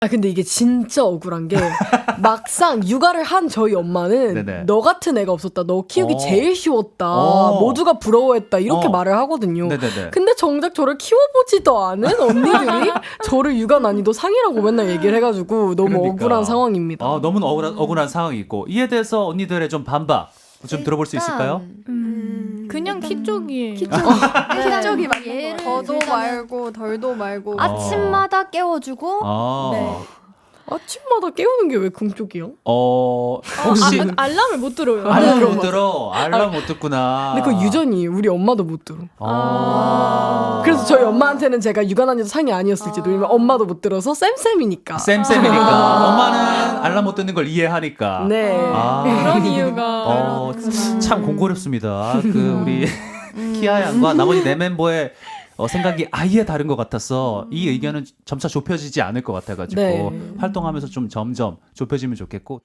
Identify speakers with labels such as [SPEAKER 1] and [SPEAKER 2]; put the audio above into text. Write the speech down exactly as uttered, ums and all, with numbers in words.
[SPEAKER 1] 아 근데 이게 진짜 억울한 게 막상 육아를 한 저희 엄마는
[SPEAKER 2] 네네.
[SPEAKER 1] 너 같은 애가 없었다. 너 키우기
[SPEAKER 2] 어.
[SPEAKER 1] 제일 쉬웠다.
[SPEAKER 2] 어.
[SPEAKER 1] 모두가 부러워했다. 이렇게
[SPEAKER 2] 어.
[SPEAKER 1] 말을 하거든요.
[SPEAKER 2] 네네네.
[SPEAKER 1] 근데 정작 저를 키워보지도 않은 언니들이 저를 육아 난이도 상이라고 맨날 얘기를 해가지고 너무
[SPEAKER 2] 그러니까.
[SPEAKER 1] 억울한 상황입니다.
[SPEAKER 2] 아, 너무 억울한, 억울한 상황이 있고 이에 대해서 언니들의 좀 반박 좀 들어볼 수 있을까요?
[SPEAKER 3] 음,
[SPEAKER 4] 그냥 키 쪽이에요.
[SPEAKER 3] 키
[SPEAKER 4] 네.
[SPEAKER 3] 쪽이 맞는
[SPEAKER 4] 예를
[SPEAKER 3] 거예요.
[SPEAKER 5] 더도 말고 덜도 말고
[SPEAKER 2] 아.
[SPEAKER 3] 아침마다 깨워주고
[SPEAKER 2] 아,
[SPEAKER 3] 네.
[SPEAKER 1] 아침마다 깨우는 게 왜 금쪽이요?
[SPEAKER 2] 어, 혹시
[SPEAKER 4] 아, 알람을 못 들어요.
[SPEAKER 2] 알람
[SPEAKER 1] 그런
[SPEAKER 2] 못
[SPEAKER 1] 거.
[SPEAKER 2] 들어? 알람 못 듣구나.
[SPEAKER 1] 근데 그거 유전이에요. 우리 엄마도 못 들어.
[SPEAKER 2] 아.
[SPEAKER 1] 그래서 저희 엄마한테는 제가 육아 난이도 상이 아니었을지도 왜냐면 엄마도 못 들어서 쌤쌤이니까.
[SPEAKER 2] 쌤쌤이니까 엄마는 알람 못 듣는 걸 이해하니까.
[SPEAKER 1] 네.
[SPEAKER 2] 아.
[SPEAKER 4] 그런 이유가.
[SPEAKER 2] 어, 참 공고롭습니다. 그 우리 키아 양과 나머지 네 멤버의 어, 생각이 아예 다른 것 같아서 이 의견은 점차 좁혀지지 않을 것 같아가지고
[SPEAKER 1] 네.
[SPEAKER 2] 활동하면서 좀 점점 좁혀지면 좋겠고.